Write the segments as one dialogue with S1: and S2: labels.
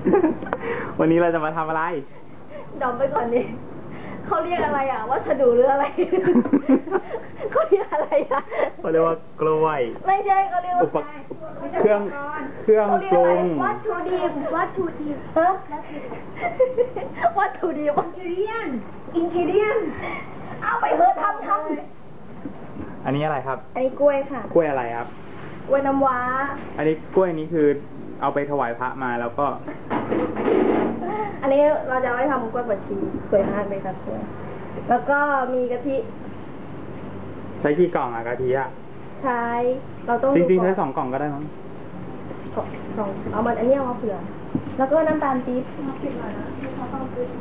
S1: วันนี้เราจะมาทำอะไร
S2: ดอมไปก่อนดิเขาเรียกอะไรอ่ะวัสดุหรืออะไร เขาเรียกอะไรอ่ะ
S1: เขาเรียกว่ากล้วย
S2: ไม่ใช่เขาเรียกว่า
S1: เครื่องปรุง
S2: วัตถุดิบวัตถุดิบอินกิเดียนเอาไปเถอะทำ
S1: อันนี้อะไรครับ
S2: อันนี้กล้วยค่ะ
S1: กล้วยอะไรครับ
S2: กล้วยน้ำว้า
S1: อันนี้กล้วยนี้คือเอาไปถวายพระมาแล้วก็
S2: อันนี้เราจะไว้ทำกล้วยบดชีสวยมากเลยครับกล้วยแล้วก็มีกะทิ
S1: ใช้กี่กล่องอะกะทิอะ
S2: ใช้เราต้อง
S1: จริงๆใช้2 กล่องก็ได้มั้ง
S2: สองเอามันอันนี้เอามาเผื่อแล้วก็น้ำตาลปี๊บมาปิดหน่อยนะเขาต้องปี๊บ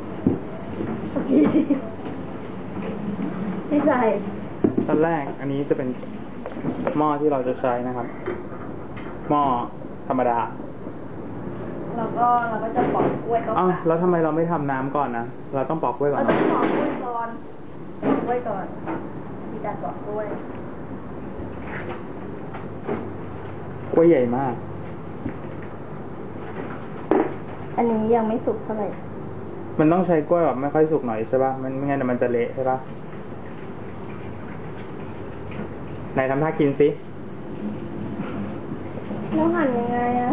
S2: ไม่ใส่
S1: ตอนแรกอันนี้จะเป็นหม้อที่เราจะใช้นะครับหม้อธรรมดา
S2: เราก็จะปอกกล้วยก่อน
S1: แล้วทำไมเราไม่ทำน้ำก่อนนะเราต้องปอกกล้วยก่อน
S2: เราต้องปอกกล้วยก่อนมีการปอกกล้วย
S1: กล้วยใหญ่มาก
S2: อันนี้ยังไม่สุกเท่าไหร่
S1: มันต้องใช้กล้วยแบบไม่ค่อยสุกหน่อยใช่ป่ะมันไม่งั้นมันจะเละใช่ป่ะไหนทำท่ากินสิ
S2: แล้วหั่นยังไงอ่ะ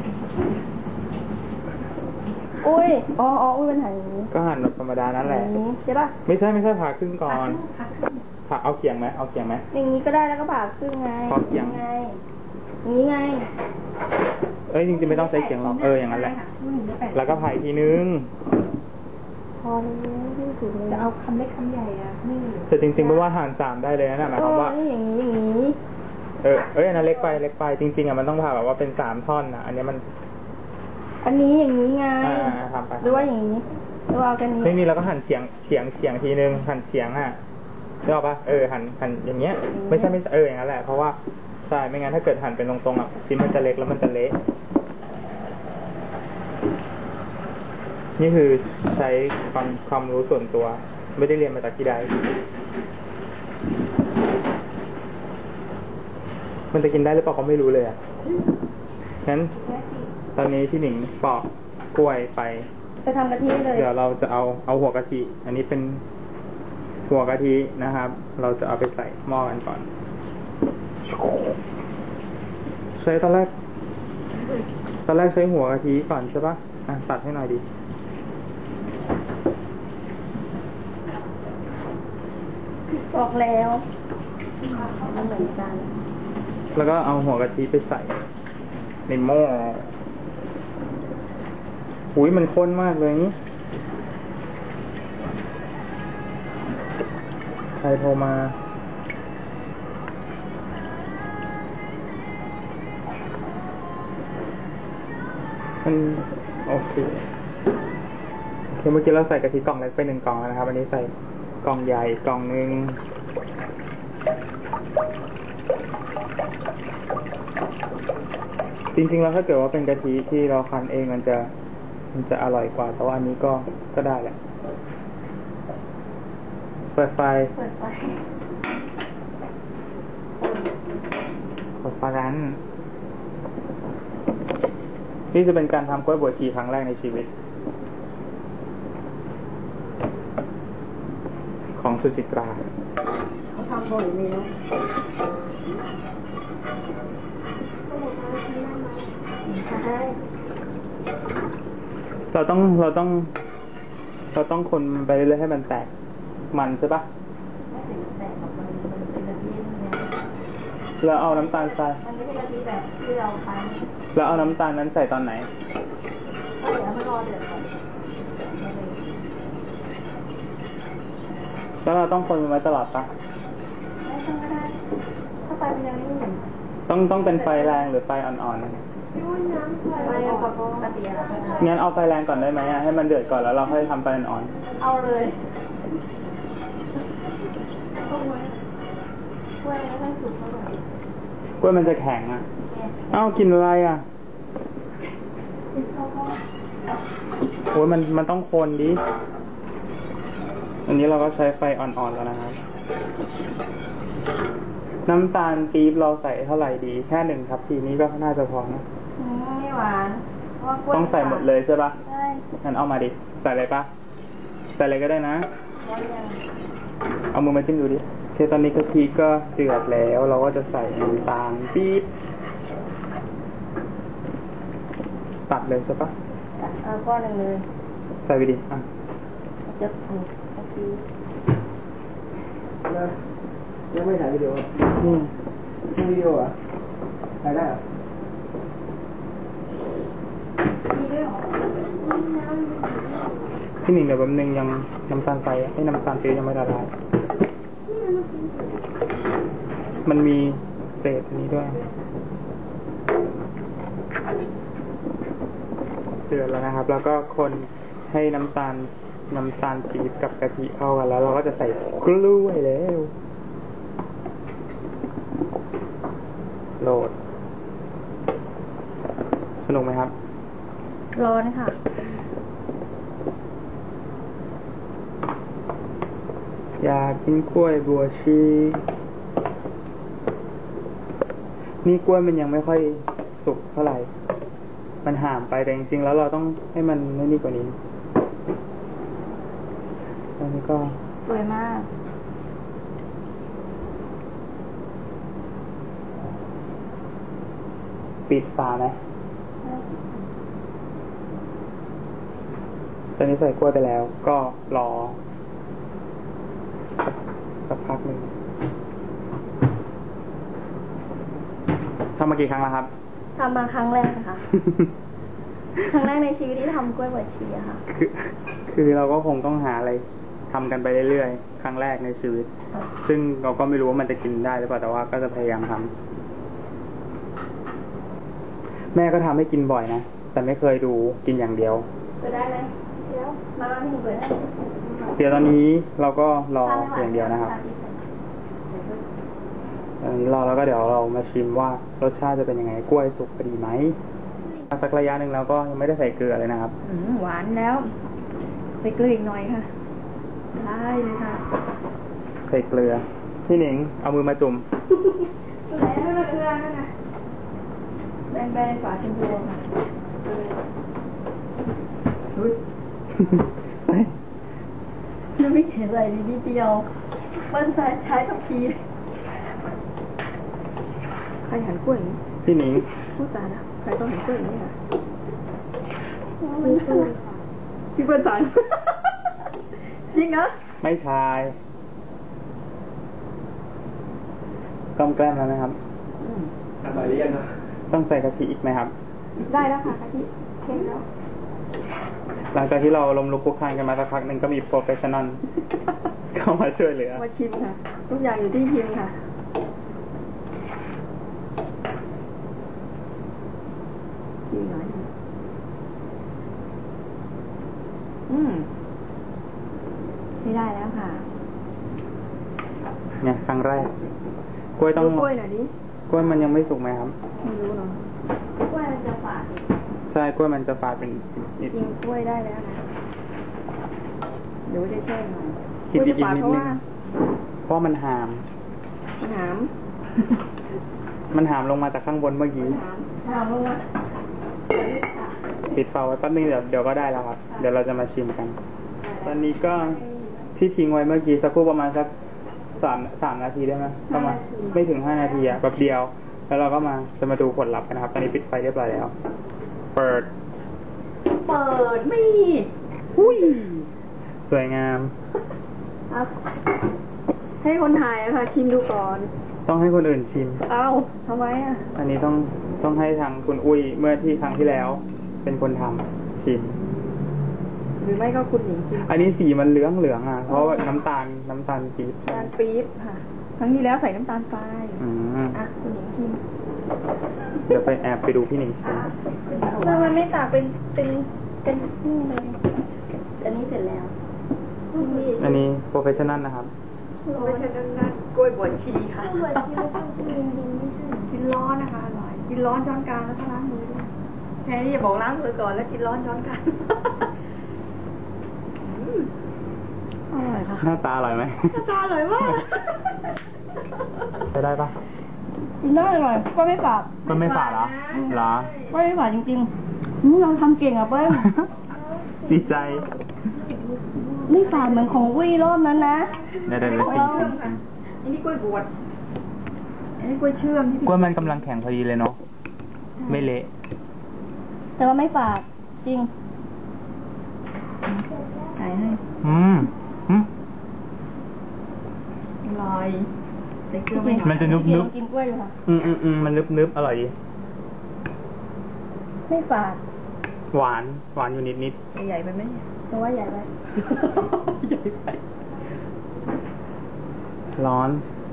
S2: อุ้ยอุ้ยมันหั่นอย่างนี้
S1: ก็หั่นแบบธรรมดานั่นแหละ
S2: ใช่ป่ะ
S1: ไม่ใช่ผ่าครึ่งก่อนผ่าเอาเขียงไหม
S2: อย่างนี้ก็ได้แล้วก็ผ่าครึ่งไง
S1: พอเขียง
S2: ไงนี้ไง
S1: จริงๆไม่ต้องใช้เขียงหรอกอย่างนั้นแหละแล้วก็ผ่าอีกทีนึง
S2: พอแล้วจะเอาคำเล็กคำใหญ่อ่ะนี่
S1: แต่จริงๆไม่ว่าหั่น3ได้เลยนะหมายความว่า
S2: อย่างนี้
S1: อันนั้นเล็กไปจริงๆมันต้องผ่าแบบว่าเป็น3 ท่อนนะอันนี้
S2: อย่างนี้ไง
S1: ทำไป
S2: หรือว่าอย่างนี้หรือว่ากันนี้
S1: ไม่มีแล้วก็หั่นเฉียงทีนึงหั่นเฉียงได้ป่ะหั่นอย่างเงี้ยไม่ใช่อย่างนั้นแหละเพราะว่าใช่ไม่งั้นถ้าเกิดหั่นเป็นตรงๆชิ้นมันจะเล็กแล้วมันจะเละนี่คือใช้ความรู้ส่วนตัวไม่ได้เรียนมาจากที่ใดมันจะกินได้หรือเปล่าก็ไม่รู้เลยงั้นตอนนี้ที่หนิงปอกกล้วยไป
S2: ทำกะทิเลย
S1: เดี๋ยวเราจะเอาหัวกะทิอันนี้เป็นหัวกะทินะครับเราจะเอาไปใส่หม้อกันก่อนใช้ตอนแรกใช้หัวกะทิก่อนใช่ปะตัดให้หน่อยดิ
S2: บอกแล้วเหมือนกัน
S1: แล้วก็เอาหัวกะทิไปใส่ในหม้ออุ้ยมันข้นมากเลยนี่ใครโทรมาโอเคเมื่อกี้เราใส่กะทิกล่องเล็กไป1 กล่องแล้วนะครับอันนี้ใส่กล่องใหญ่กล่องนึงจริงๆแล้วถ้าเกิดว่าเป็นกะทิที่เราคั้นเองมันจะอร่อยกว่าแต่ว่าอันนี้ก็ได้แหละเปิดไฟนั้นนี่จะเป็นการทำกล้วยบวชชีครั้งแรกในชีวิตของสุจิตรา
S2: เขาทำบ่อยไหมเนาะ
S1: เราต้องคนไปเรื่อยๆให้มันแตกมันใช่ปะแล้วเอาน้ำตาลใส่แล้วเอาน้ำตาลนั้นใส่ตอนไหน
S2: เดี๋ยวมันรอเดือดก่อน
S1: แล้วเราต้องคนไว้ตลอดปะ
S2: ไม่ต้องก็ได้ถ้าไฟมันยังไม่เห็น
S1: ต้องเป็นไฟแรงหรือไฟอ่อนๆงั้นเอาไฟแรงก่อนได้ไหมให้มันเดือดก่อนแล้วเราค่อยทำไฟอ่อน
S2: ๆเอาเลยกล้วยไม่ค่อยสุกเท่าไหร่
S1: กล้วยมันจะแข็งกินอะไรโอ้ยมันต้องคนดิอันนี้เราก็ใช้ไฟอ่อนๆแล้วนะครับน้ำตาลปี๊บเราใส่เท่าไหร่ดีแค่1 ทัพพีนี้ก็น่าจะพอนะ
S2: ไม่หวานเพราะว่ากล้วย
S1: ต้องใส่หมดเลยใช่ปะ
S2: ใช่
S1: งั้นเอามาดิ ใส่เลยปะใส่เลยก็ได้นะ
S2: แล้วยัง
S1: เอามือมาจิ้มดูดิโอเคตอนนี้กะทิก็เดือดแล้ว เราก็จะใส่น้ำตาลปี๊บตัดเลยใช่ปะ
S2: เอาก้อนหนึ่งเลย
S1: ใส่ไปดิอ่ะ
S2: จะถูกเมื่อกี้
S3: ยังไม่ถ่ายวิดีโอ
S1: อืม
S3: ถ่ายวิดีโอเหรอถ่ายได้เหรอ
S2: มีด้วยเหรอ
S1: พี่หนิงเดี๋ยวแป๊บนึงยังน้ำตาลใส่ให้น้ำตาลปี๊บยังไม่ละลายมันมีเศษนี้ด้วยเดือดแล้วนะครับ แล้วก็คนให้น้ำตาลปี๊บกับกะทิเข้ากันแล้ว เราก็จะใส่กล้วยแล้วโหลดสนุกไหมครับ
S2: ร้อนค่ะ
S1: อยากกินกล้วยบัวชีนี่กล้วยมันยังไม่ค่อยสุกเท่าไหร่ มันห่ามไปแต่จริงๆแล้วเราต้องให้มันไม่นี่กว่านี้อันนี้ก็
S2: สวยมาก
S1: ปิดฝาไหมตอนนี้ใส่กล้วยไปแล้ว ก็รอสักพักหนึ่งทำมากี่ครั้งแล้วครับ
S2: ทำมาครั้งแรกนะคะ ครั้งแรกในชีวิตที่ทำกล้วยบวชชีอะค่ะ
S1: คือเราก็คงต้องหาอะไรทำกันไปเรื่อยๆ ครั้งแรกในชีวิต ซึ่งเราก็ไม่รู้ว่ามันจะกินได้หรือเปล่า แต่ว่าก็จะพยายามทำแม่ก็ทำให้กินบ่อยนะ แต่ไม่เคยดูกินอย่างเดียว
S2: เปิดได้ไหมเดี๋ยวมาพี่หนูเปิดได้
S1: เดี๋ยวตอนนี้เราก็รออย่างเดียวนะครับ ตอนนี้รอแล้วก็เดี๋ยวเรามาชิมว่ารสชาติจะเป็นยังไง กล้วยสุกพอดีไหมสักระยะหนึ่งแล้วก็ยังไม่ได้ใส่เกลือเลยนะครับ
S2: หวานแล้วใส่เกลืออีกหน่อยค่ะ ได้เลยค่ะ
S1: ใส่เกลือ พี่หนิงเอามือมาจุ่ม
S2: แล้วเกลือนั่นนะแบนๆฝาชมพูค่ะไม่เห็นอะไรนิดเดียวมันใช้ทัพพีใครหันกล้วยอย่างนี้
S1: พี่หนิง
S2: พูดตานะใครต้องหันกล้วยอย่างนี้อ่ะพี่เปิ้ลสารจริงเหรอ
S1: ไม่ชายต้มแกล้มแล้วนะครับ
S3: อร่อยหรือยังครับ
S1: ต้องใส่กะทิอีกไหมครับ
S2: ได้แล้วค่ะกะทิเข้มแล้ว
S1: หลังจากที่เราล้มลุกคลุกคลานกันมาสักพักหนึ่งก็มีโปรเฟชชั่นอล เข้ามาช่วยเหลือ
S2: มาชิมค่ะ ทุกอย่างอยู่ที่ชิมค่ะชิมหน่อยไม่ได้แล้วค่ะ
S1: เนี่ยครั้งแรก กล้วยต้อง
S2: ดูกล้วยหน่อยดิ
S1: กล้วยมันยังไม่สุกไหมครับ
S2: ไม่รู้เนาะกล้วยมันจะฝาด
S1: ใช่กล้วยมันจะฝาดเป็นนิด
S2: กินกล้วยได้แล้วนะเดี๋ยวจะแช่หน่อย
S1: กินอีก
S2: กล้วยจะฝาด
S1: นิด
S2: เพราะ
S1: นึง
S2: ว่า
S1: เพราะมันหาม
S2: มันหาม
S1: มันหามลงมาจากข้างบนเมื่อกี้
S2: หามลงมา
S1: ปิดฝาไว้แป๊บนึงเดี๋ยวก็ได้แล้วครับ เดี๋ยวเราจะมาชิมกัน ตอนนี้ก็ที่ทิ้งไว้เมื่อกี้สักครู่ประมาณสักสามนาทีได้ไหมประมาณไม่ถึง5 นาทีอะแบบเดียว แล้วเราก็จะมาดูผลลัพธ์กันนะครับ ตอนนี้ปิดไฟเรียบร้อยแล้ว เปิด
S2: ไม่
S1: อุ้ยสวยงาม
S2: เอาให้คนถ่ายอะค่ะชิมดูก่อน
S1: ต้องให้คนอื่นชิม
S2: เอ้าทำไมอะ
S1: อันนี้ต้องให้ทางคุณอุ้ยเมื่อที่ครั้งที่แล้ว เป็นคนทำชิม
S2: หรือไม่ก็คุณหญิงชิม
S1: อันนี้สีมันเหลืองอ่ะ เพราะว่าน้ำตาลปี๊บ
S2: น้ำตาลปี๊บค่ะ ครั้งที่แล้วใส่น้ำตาลทราย
S1: อืม
S2: อ่ะคุณหญิงชิม
S1: เดี๋ยวไปแอบไปดูพี่หนิงชิม
S2: ทำไมไม่ตากเป็นนี่เลยอันนี้เสร็จแล้ว
S1: อันนี้โปรเฟชชั่น a ลนะครับ
S2: ไม่ใช่นั่นกล้วยบวชชีค่ะกล้วยบวชชีต้องกินร้อนนะคะอร่อยกินร้อนช้อนกลางแล้วก็ล้างมือด้วยแค่นี้อย่าบอกล้างมือก่อนแล้วกินร้อนช้อนกลางอร่อยค่ะ
S1: หน้าตาอร่อยไหม
S2: หน้าตาอร่อยมาก
S1: ใช้ได้ปะ
S2: กินได้อร่อยก็ไม่ฝาด
S1: มันไม่ฝาดเหรอเหรอ
S2: ก็ไม่ฝาดจริง
S1: อ
S2: เราทำเก่งอ่ะเปิ้ล
S1: ดีใจ
S2: ไม่ฝาดเหมือนของวี่รอบนั้นนะ
S1: เดี๋ยวชิม
S2: อันนี้กล้วยบวชอันนี้กล้วยเชื่อมที่
S1: กล้วยมันกำลังแข็งพอดีเลยเนาะ ไม่เละ
S2: แต่ว่าไม่ฝาดจริงไหนให้
S1: อืม
S2: ลอยใส่เกลือไม่หน่อย
S1: มันจะนึบ
S2: กินกล้วยอยู่ค่ะ
S1: มันนึบอร่อยดี
S2: ไม่ฝาด
S1: หวานอยู่นิด
S2: ใหญ่ไปไหมแต่ว่าใหญ่ไป
S1: ร้อน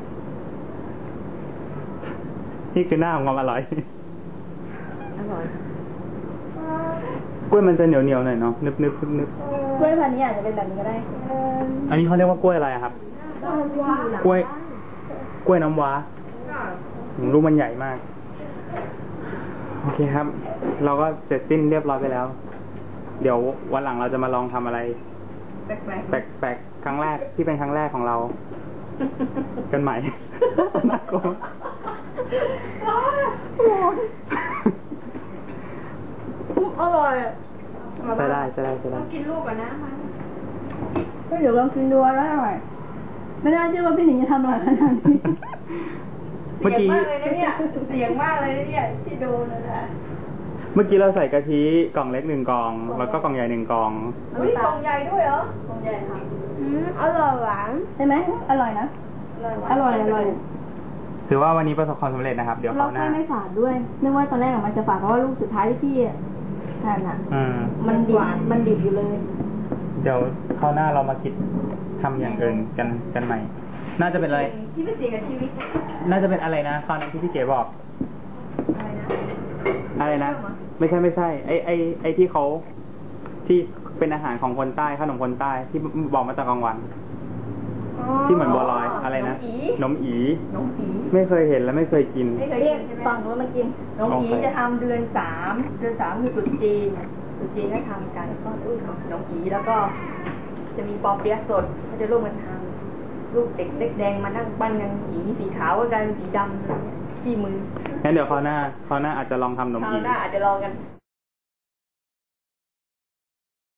S1: นี่คือหน้าของความอร่อย
S2: อร่อย
S1: กล้วยมันจะเหนียวหน่อยเนาะ นึบ
S2: กล้วยพันธุ์นี้อาจจะเป็นแบบนี้ก็ได้
S1: อันนี้เขาเรียกว่ากล้วยอะไรอะครับ กล้วยน้ำว้าลูกมันใหญ่มาก โอเคครับ เราก็เสร็จสิ้นเรียบร้อยไปแล้ว เดี๋ยววันหลังเราจะมาลองทำอะไร แปลกๆครั้งแรกที่เป็นครั้งแรกของเรา กันใหม่ น่ากลัว
S2: อร่อย
S1: ใช้ได้
S2: กินลูกก่อนนะมันเดี๋ยวลองกินดูแล้วอร่อยไม่น่าเชื่อว่าพี่หนิงจะทำอร่อยขนาดนี้
S1: เมื่อกี้
S2: เสียงมากเลยนะเนี่ยที่ดูนะ
S1: เมื่อกี้เราใส่กะทิกล่องเล็ก1 กล่อง แล้วก็กล่องใหญ่1 กล่อง
S2: อุ้ยกล่องใหญ่ด้วยเหรอกล่องใหญ่ค่ะอร่อยหวานใช่ไหมอร่อยนะอร่อย
S1: ถือว่าวันนี้ประสบความสำเร็จนะครับ เดี๋ยว
S2: เรา
S1: เขาวหน้า
S2: ไม่ฝาดด้วยนึกว่าตอนแรกมันจะฝาดเพราะว่าลูกสุดท้ายที่พี่ทานอ่ะมันดิบอยู่เลย
S1: เดี๋ยวคราวหน้าเรามาคิดทำอย่างอื่นกันใหม่ น่าจะเป็นอะไร
S2: ที่ไม่เสี่ยงกับชีวิต
S1: น่าจะเป็นอะไรนะคราวนั้นที่พี่เก๋บอก อะไรนะ ไม่ใช่ ไอที่เขาที่เป็นอาหารของคนใต้ขนมคนใต้ที่บอกมาจากกลางวัน ที่เหมือนบัวลอยอะไรนะนมอี ไม่เคยเห็นและไม่เคยกิน
S2: ไม่เคยกินใช่ไหมฟังแล้วมากินน้องอีจะทำเดือน 3คือตรุษจีนก็ทำกันก็น้องอีแล้วก็จะมีปอเปี๊ยะสดเขาจะร่วมกันทำลูกเด็กเล็กแดงมานั่งปั้นกันอีสีขาวก็กลายเป็นสีดำอะไรเงี้ยขี้มือ
S1: งั้นเดี๋ยวคราวหน้าอาจจะลองทำนม
S2: ครา
S1: อี
S2: วหน้าอาจจะลองกัน